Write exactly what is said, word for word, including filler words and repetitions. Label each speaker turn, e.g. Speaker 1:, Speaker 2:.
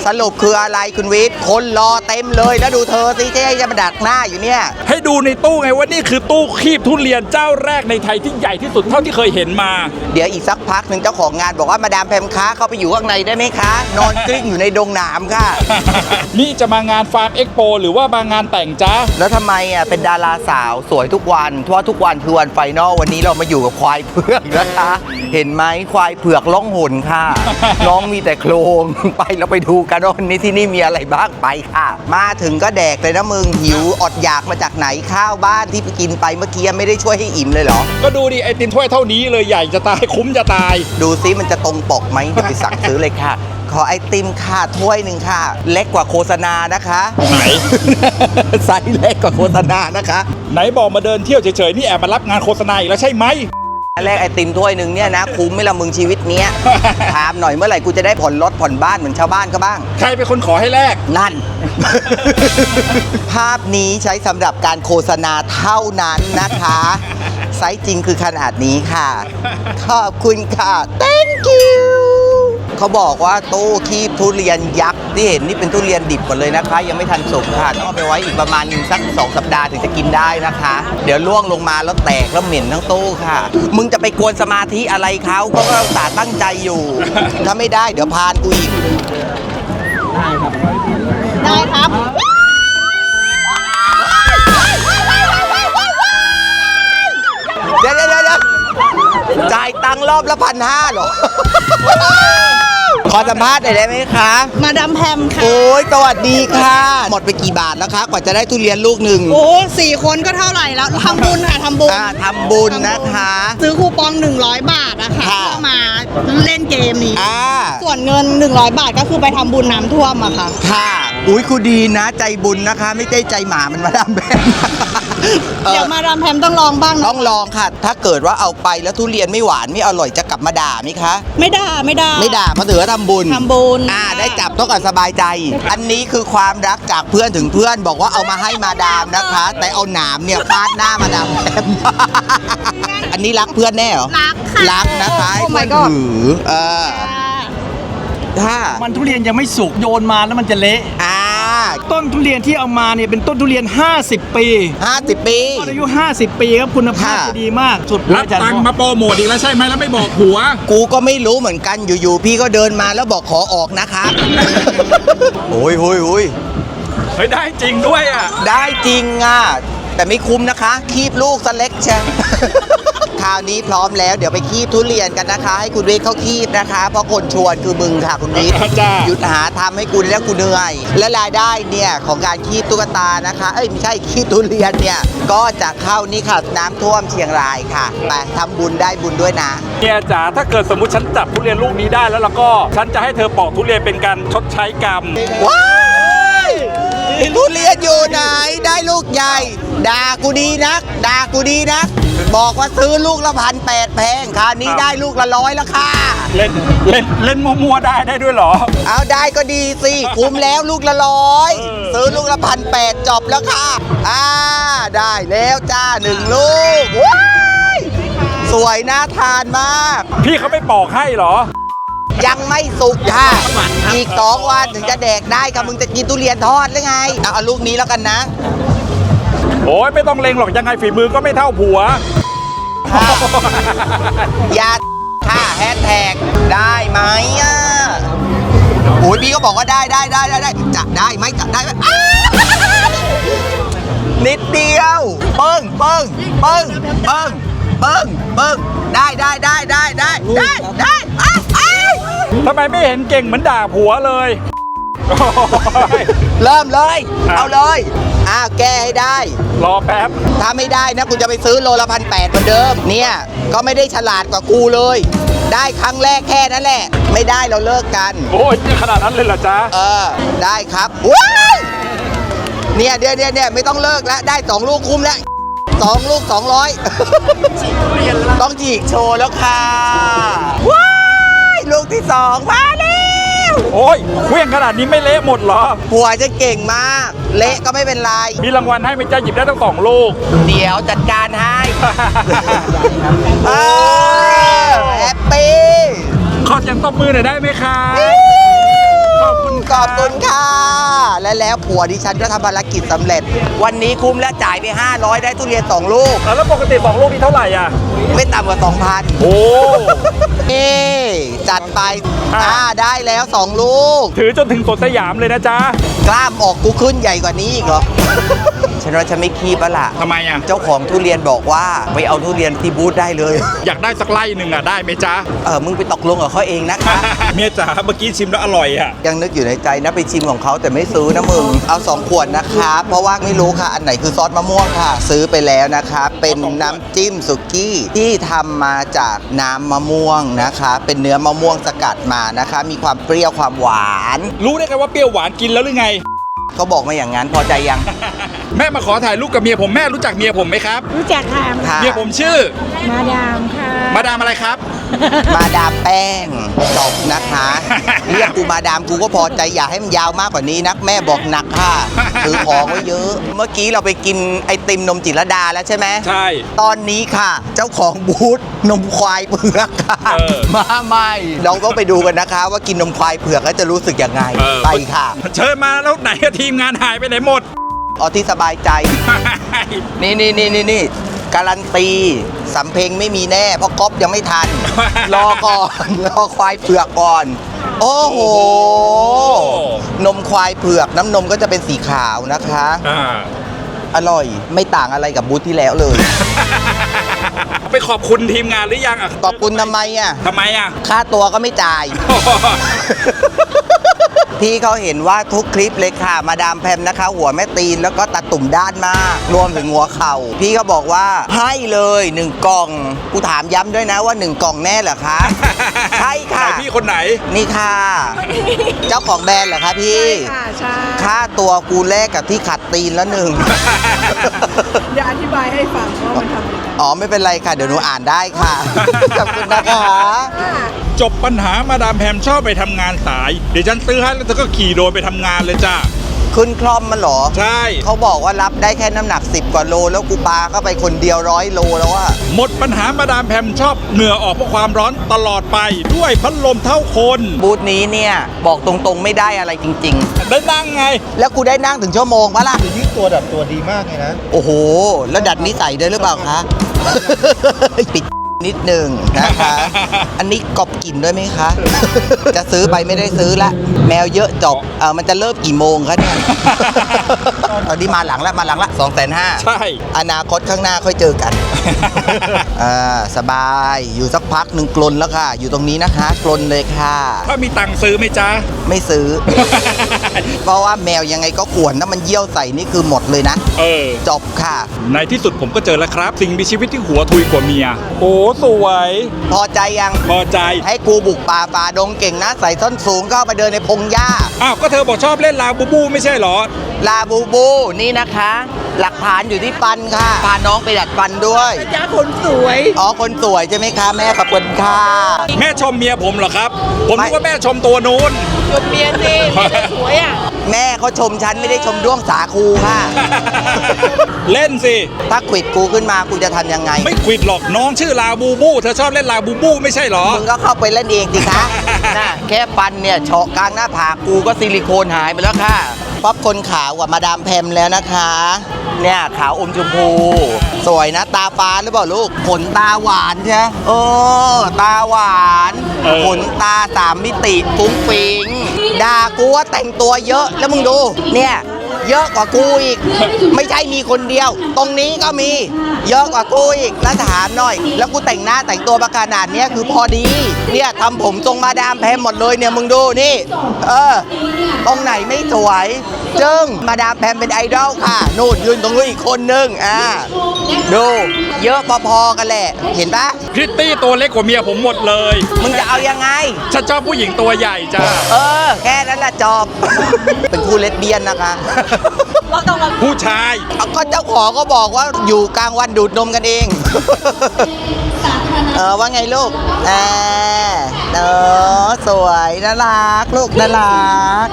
Speaker 1: สรุปคืออะไรคุณวิทย์คนรอเต็มเลยแล้วดูเธอสิเจ๊จะมาดักหน้าอยู่เนี่ย
Speaker 2: ให้ดูในตู้ไงว่านี่คือตู้คีบทุเรียนเจ้าแรกในไทยที่ใหญ่ที่สุดเท่าที่เคยเห็นมา
Speaker 1: เดี๋ยวอีกสักพักหนึ่งเจ้าของงานบอกว่ามาดามแพมค้าเข้าไปอยู่ข้างในได้ไหมคะนอนกลิ้งอยู่ในดงหนามค่ะ
Speaker 2: นี่จะมางานฟาร์มเอ็กโปหรือว่ามางานแต่งจ้า
Speaker 1: แล้วทำไมอ่ะเป็นดาราสาวสวยทุกวันเพราะทุกวันคือวันไฟนอลวันนี้เรามาอยู่กับควายเผือกนะคะเห็นไหมควายเผือกล่องหนค่ะ น้องมีแต่โครงไปเราไปดูกันว่าวันนี้ที่นี่มีอะไรบ้างไปค่ะมาถึงก็แดกเลยนะมึงหิวอดอยากมาจากไหนข้าวบ้านที่ไปกินไปเมื่อกี้ไม่ได้ช่วยให้อิ่มเลยเหรอ
Speaker 2: ก็ดูดิไอติมถ้วยเท่านี้เลยใหญ่จะตายคุ้มจะตาย
Speaker 1: ดูซิมันจะตรงปกไหมจะไปสั่งซื้อเลยค่ะขอไอติมค่ะถ้วยหนึ่งค่ะเล็กกว่าโฆษณานะคะ
Speaker 2: ไหน
Speaker 1: ไซส์เล็กกว่าโฆษณานะคะ
Speaker 2: ไหนบอกมาเดินเที่ยวเฉยๆนี่แอบมารับงานโฆษณาอีกแล้วใช่ไหม
Speaker 1: แรกไอติมถ้วยหนึ่งเนี่ยนะคุ้มไหมละมึงชีวิตเนี้ย ถามหน่อยเมื่อไหร่กูจะได้ผ่อนรถผ่อนบ้านเหมือนชาวบ้านก็บ้าง
Speaker 2: ใครเป็นคนขอให้แลก
Speaker 1: นั่น ภาพนี้ใช้สำหรับการโฆษณาเท่านั้นนะคะไซส์จริงคือขนาดนี้ค่ะขอบคุณค่ะ thank you เขาบอกว่าตู้คีบทุเรียนยักษ์ที่เห็นนี่เป็นทุเรียนดิบหมดเลยนะคะยังไม่ทันสุกค่ะต้องเอาไปไว้อีกประมาณสักสองสัปดาห์ถึงจะกินได้นะคะเดี๋ยวล่วงลงมาแล้วแตกแล้วเหม็นทั้งตู้ค่ะมึงจะไปกวนสมาธิอะไรเขาเขาก็อุตส่าห์ตั้งใจอยู่ถ้าไม่ได้เดี๋ยวพานกูอีก
Speaker 3: ได้ครับ
Speaker 1: เดี๋ยวเดี๋ยวเดี๋ยวจ่ายตังค์รอบละพันห้าหรอขอสัมภาษณ์หน่อยได้ไหมคะ
Speaker 3: มาดามแพมค่ะ
Speaker 1: โอ้ยสวัสดีค่ะหมดไปกี่บาทแล้วคะกว่าจะได้ทุเรียนลูกหนึ่ง
Speaker 3: โอ้สี่คนก็เท่าไหร่แล้วทำบุญค่ะทำบุญ
Speaker 1: ทำบุญนะคะ
Speaker 3: ซื้อคูปองหนึ่งร้อยบาทนะคะเพื่อมาเล่นเกมนี้ส่วนเงินหนึ่งร้อยบาทก็คือไปทำบุญน้ำท่วมอะค่ะ
Speaker 1: ค่ะอุ้ยคุณดีนะใจบุญนะคะไม่ใช่ใจหมามันมาดามแพม
Speaker 3: เดี๋ยวมาดามแพมต้องลองบ้าง
Speaker 1: ต้องลองค่ะถ้าเกิดว่าเอาไปแล้วทุเรียนไม่หวานไม่อร่อยจะกลับมาด่าไหมคะ
Speaker 3: ไม่ด่าไม่ด่า
Speaker 1: ไม่ด่าเพราะถือว่าทำบุญ
Speaker 3: ทำบุญ
Speaker 1: อ่าได้จับต้องกันสบายใจอันนี้คือความรักจากเพื่อนถึงเพื่อนบอกว่าเอามาให้มาดามนะคะแต่เอาหนามเนี่ยฟาดหน้ามาดามแพมอันนี้รักเพื่อนแน่เหรอ
Speaker 3: รักค่ะ
Speaker 1: รักนะคะให้เพื่อนถือเออถ้า
Speaker 4: มันทุเรียนยังไม่สุกโยนมาแล้วมันจะเละ
Speaker 1: อ่า
Speaker 4: ต้นทุเรียนที่เอามาเนี่ยเป็นต้นทุเรียนห้าสิบปี
Speaker 1: ห้าสิบปี
Speaker 4: ต้นอายุห้าสิบปีครับคุณภาพดีมากสุด
Speaker 2: รับตังค์มาโปรโมทอีกแล้วใช่ไหมแล้วไม่บอกหัว
Speaker 1: กูก็ไม่รู้เหมือนกันอยู่ๆพี่ก็เดินมาแล้วบอกขอออกนะคะโอ้ยโอ้ยโอ้ย
Speaker 2: เฮ้ยได้จริงด้วยอ่ะ
Speaker 1: ได้จริงอ่ะแต่ไม่คุ้มนะคะคีบลูกสเล็กใช่คราวนี้พร้อมแล้วเดี๋ยวไปคีบทุเรียนกันนะคะให้คุณวิทย์เขาคีบนะคะเพราะคนชวนคือมึงค่ะคุณวิทย์หยุดหาทำให้กูแล้วกูเหนื่อยและรายได้เนี่ยของการคีบตุ๊กตานะคะเอ้ยไม่ใช่คีบทุเรียนเนี่ยก็จะเข้านี่ค่ะน้ำท่วมเชียงรายค่ะไปทำบุญได้บุญด้วยนะ
Speaker 2: เนี่ยจ๋าถ้าเกิดสมมุติฉันจับทุเรียนลูกนี้ได้แล้วแล้วก็ฉันจะให้เธอปอกทุเรียนเป็นการชดใช้กรรม
Speaker 1: ว้ายทุเรียนอยู่ไหนได้ลูกใหญ่ด่ากูดีนักด่ากูดีนักบอกว่าซื้อลูกละพันแปดแพงค่ะนี้ได้ลูกละร้อยแล้วค่ะ
Speaker 2: เล่นเล่นเล่นมัวๆได้ได้ด้วยเหรอ
Speaker 1: เอาได้ก็ดีสิคุ้มแล้วลูกละร้อยซื้อลูกละพันแปดจบแล้วค่ะอ่าได้แล้วจ้าหนึ่งลูกว้ายสวยน่าทานมาก
Speaker 2: พี่เขาไม่ปอกให้เหรอ
Speaker 1: ยังไม่สุกค่ะอีกสองวันถึงจะแดกได้ค่ะมึงจะกินทุเรียนทอดหรือไงเอาเอาลูกนี้แล้วกันนะ
Speaker 2: โอ้ยไม่ต้องเล็งหรอกยังไงฝีมือก็ไม่เท่าผัว
Speaker 1: อย่าค่ะแฮชแท็กได้ไหมอ่ะโอ้ยพี่ก็บอกว่าได้ได้ได้ได้ได้จะได้ไหมจะได้ไหมนิดเดียวเปิ้งเปิ้งเปิ้งเปิ้งเปิ้งเปิ้งได้ได้ได้ได้ได้ได้ได้
Speaker 2: ทำไมไม่เห็นเก่งเหมือนด่าผัวเลย
Speaker 1: เริ่มเลยเอาเลยอ้าวแก้ให้ได้
Speaker 2: รอแป๊บ
Speaker 1: ถ้าไม่ได้นะกูจะไปซื้อโลละพันแปดเหมือนเดิมเนี่ยก็ไม่ได้ฉลาดกว่ากูเลยได้ครั้งแรกแค่นั้นแหละไม่ได้เราเลิกกัน
Speaker 2: โอ้ยขนาดนั้นเลยเหรอจ๊ะ
Speaker 1: เออได้ครับว้ายเนี่ยเดี๋ยวเดี๋ยวเนี่ยไม่ต้องเลิกแล้วได้สองลูกคุ้มแล้วสองลูกสองร้อยต้องฉีกโชว์แล้วค่ะว้ายลูกที่สองมาแล้ว
Speaker 2: โอ้ยเครื่องขนาดนี้ไม่เละหมดเหรอ
Speaker 1: ผัวจะเก่งมากเละก็ไม่เป็นไร
Speaker 2: มีรางวัลให้ไหมจ๊ะหยิบได้ทั้งสองลูก
Speaker 1: เดี๋ยวจัดการให้แฮปปี้
Speaker 2: ขอเสียงตบมือหน่อยได้ไหมคะขอบคุณ
Speaker 1: ขอบคุณค่ะ และแล้วผัวดิฉันก็ทำภารกิจสำเร็จ วันนี้คุ้มและจ่ายไปห้าร้อยได้ทุเรียนสองลูก
Speaker 2: แล้วปกติสองลูกนี้เท่าไหร่อ่ะ
Speaker 1: ไม่ต่ำกว่า สองพัน
Speaker 2: โอ้
Speaker 1: เอ๊จัดไป
Speaker 2: อ่ะ
Speaker 1: อ่าได้แล้วสองลูก
Speaker 2: ถือจนถึงสวนสยามเลยนะจ๊ะ
Speaker 1: กล้ามออกกูขึ้นใหญ่กว่านี้อีกเหรอ ฉันว่าฉันไม่คีบแล้วล่ะ
Speaker 2: ทำไมอ่ะ
Speaker 1: เจ้าของทุเรียนบอกว่าไปเอาทุเรียนที่บูธได้เลย
Speaker 2: อยากได้สักไล่หนึ่งอ่ะ ได้ไหมจ๊ะ
Speaker 1: เออมึงไปตกลงกับเขาเองนะคะ
Speaker 2: เมียจ๋าเมื่อกี้ชิมแล้วอร่อยอ่ะ
Speaker 1: ยังนึกอยู่ในใจนะไปชิมของเขาแต่ไม่ซื้อนะมึง เอาสองขวดนะคะเพราะว่าไม่รู้ค่ะ อันไหนคือซอสมะม่วงค่ะ ซื้อไปแล้วนะคะ เป็นน้ำจิ้มสุกี้ที่ทำมาจากน้ำมะม่วงนะคะ เป็นเนื้อมะม่วงสกัดมานะคะ มีความเปรี้ยวความหวาน
Speaker 2: รู้ได้ไงว่าเปรี้ยวหวานกินแล้วหรือไง
Speaker 1: เขาบอกมาอย่างนั้นพอใจยัง
Speaker 2: แม่มาขอถ่ายรูปกับเมียผมแม่รู้จักเมียผมไหมครับ
Speaker 5: รู้จักค่ะ
Speaker 1: ค่ะ
Speaker 2: เมียผมชื่อ
Speaker 5: มาดามค่ะ
Speaker 2: มาดามอะไรครับ
Speaker 1: มาดามแป้งจบนะคะ เรียกกูมาดามกูก็พอใจอย่าให้มันยาวมากกว่านี้นักแม่บอกหนักค่ะถือของไว้เยอะ เมื่อกี้เราไปกินไอติมนมจิตรลดาแล้วใช่ไหม
Speaker 2: ใช่
Speaker 1: ตอนนี้ค่ะ เจ้าของบูธนมควายเผือกค่ะ
Speaker 2: เออ
Speaker 1: มาใหม่เราก็ไปดูกันนะคะ ว่ากินนมควายเผือกแล้วจะรู้สึกยังไง
Speaker 2: เออ
Speaker 1: ไปค่ะ
Speaker 2: เชิญมาแล้วไหนอะทีมงานหายไปไหนหมด
Speaker 1: เอาที่สบายใจ นี่นี่นี่นี่นี่การันตีสำเพ็งไม่มีแน่ เพราะก๊อฟยังไม่ทัน รอก่อน รอควายเผือกก่อน โอ้โห นมควายเผือกน้ำนมก็จะเป็นสีขาวนะคะ
Speaker 2: อ่า
Speaker 1: อร่อยไม่ต่างอะไรกับบูธที่แล้วเลย
Speaker 2: ไปขอบคุณทีมงานหรือยังอ่ะ
Speaker 1: ขอบคุณทำไมอ่ะ
Speaker 2: ทำไมอ่ะ
Speaker 1: ค่าตัวก็ไม่จ่าย พี่เขาเห็นว่าทุกคลิปเลยค่ะ มาดามแพมนะคะ หัวแม่ตีนแล้วก็ตัดตุ่มด้านมาก รวมถึงหัวเข่า พี่ก็บอกว่าให้เลยหนึ่งกล่อง กูถามย้ำด้วยนะว่าหนึ่งกล่องแน่เหรอคะ ใช่ค่ะ
Speaker 2: ไหนพี่คนไหน
Speaker 1: นี่ค่ะ เจ้าของแบรนด์เหรอคะพี่
Speaker 5: ค่ะใช่
Speaker 1: ค่าตัวกูแลกกับที่ขัดตีนแล้วหนึ่ง
Speaker 5: เดี๋ยวอธิบายให้ฟังว่ามันทำยังไง
Speaker 1: อ๋อไม่เป็นไรค่ะ เดี๋ยวหนูอ่านได้ค่ะ ขอบคุณนะคะ
Speaker 2: จบปัญหามาดามแพมชอบไปทำงานสาย เดี๋ยวฉันซื้อให้แล้วเธอก็ขี่โดรนไปทำงานเลยจ้า
Speaker 1: ขึ้นคล่อมมันเหรอ
Speaker 2: ใช่
Speaker 1: เขาบอกว่ารับได้แค่น้ำหนักสิบกว่าโล แล้วกูปาเข้าไปคนเดียวร้อยโลแล้วอะ
Speaker 2: หมดปัญหามาดามแพมชอบเหงื่อออกเพราะความร้อนตลอดไปด้วยพัดลมเท่าคน
Speaker 1: บูธนี้เนี่ย บอกตรงๆไม่ได้อะไรจริง
Speaker 2: ได้นั่งไง
Speaker 1: ๆ แล้วกูได้นั่งถึงชั่วโมงปะล่ะ
Speaker 6: ยืดตัวดัดตัวดีมากเลยนะ
Speaker 1: โอ้โห แล้วดัดนิสัยด้วยหรือเปล่าคะ ปิดนิดหนึ่งนะคะ อันนี้กอบกลิ่นด้วยไหมคะ จะซื้อไปไม่ได้ซื้อละ แมวเยอะจบเออมันจะเริ่มกี่โมงคะเนี่ย ตอนนี้มาหลังละมาหลังละสองแสนห้า
Speaker 2: ใช่
Speaker 1: อนาคตข้างหน้าค่อยเจอกัน อ่าสบาย อยู่สักพักหนึ่งกลนแล้วค่ะ อยู่ตรงนี้นะคะ กลนเลยค่ะ
Speaker 2: ถ้ามีตังค์ซื้อไหมจ๊ะ
Speaker 1: ไม่ซื้อ เพราะว่าแมวยังไงก็ขวนถ้ามันเยี่ยวใส่นี่คือหมดเลยนะ
Speaker 2: เออ
Speaker 1: จบค่ะ
Speaker 2: ในที่สุดผมก็เจอแล้วครับ สิ่งมีชีวิตที่หัวทุยกว่าเมีย โอ้สวย
Speaker 1: พอใจยัง
Speaker 2: พอใจ
Speaker 1: ให้กูบุกป่าฝ่าดงเก่งนะ ใส่ส้นสูงเข้าไปเดินในพงหญ้า
Speaker 2: อ้าว ก็เธอบอกชอบเล่นลาบูบูไม่ใช่เหรอ
Speaker 1: ลาบูบูนี่นะคะ หลักฐานอยู่ที่ฟันค่ะ พาน้องไปดัดฟันด้วย
Speaker 5: จ้าคนสวย
Speaker 1: อ๋อ คนสวยใช่ไหมคะ แม่ขอบคุณค่ะ
Speaker 2: แม่ชมเมียผมเหรอครับ ผม
Speaker 1: ไม่
Speaker 2: นึกว่าแม่ชมตัวนู้น
Speaker 5: จบเมียสิเมียสวยอ่ะ
Speaker 1: แม่เขาชมฉันไม่ได้ชมด้วงสาคูค่ะ
Speaker 2: เล่นสิ
Speaker 1: ถ้าขวิดกูขึ้นมากูจะทำยังไง
Speaker 2: ไม่ควิดหรอกน้องชื่อลาบูบู เธอชอบเล่นลาบูบูไม่ใช่เหรอ
Speaker 1: มึงก็เข้าไปเล่นเองสิคะน่ะแค่ฟันเนี่ยเฉาะกลางหน้าผากกูก็ซิลิโคนหายไปแล้วค่ะ ป๊อปคนขาวกว่ามาดามแพมแล้วนะคะ เนี่ยขาวอมชมพู สวยนะตาฟ้าหรือเปล่าลูก ขนตาหวานใช่ไหมเออ ตาหวาน
Speaker 2: เออ
Speaker 1: ขนตาสามมิติฟุ้งฟิงด่ากูว่าแต่งตัวเยอะแล้วมึงดู เนี่ย เยอะกว่ากูอีก ไม่ใช่มีคนเดียว ตรงนี้ก็มี เยอะกว่ากูอีกแล้วถามหน่อย แล้วกูแต่งหน้าแต่งตัวมาขนาดเนี้ยคือพอดี เนี่ยทำผมทรงมาดามแพมหมดเลยเนี่ยมึงดูนี่ เออ ตรงไหนไม่สวย จึงมาดามแพมเป็นไอดอลค่ะนู่นยืนตรงนู้นอีกคนนึงอ่าดู เยอะพอๆกันแหละ เห็นปะ
Speaker 2: พริตตี้ตัวเล็กกว่าเมียผมหมดเลย
Speaker 1: มึงจะเอายังไง
Speaker 2: ฉันชอบผู้หญิงตัวใหญ่จ้า
Speaker 1: เออ แค่นั้นแหละจบ เป็นคู่เลสเบี้ยนนะคะ
Speaker 2: ผู้ชาย
Speaker 1: เอาก็เจ้าของก็บอกว่าอยู่กลางวันดูดนมกันเอง เออว่าไงลูกอ่าเออสวยน่ารักลูกน่ารัก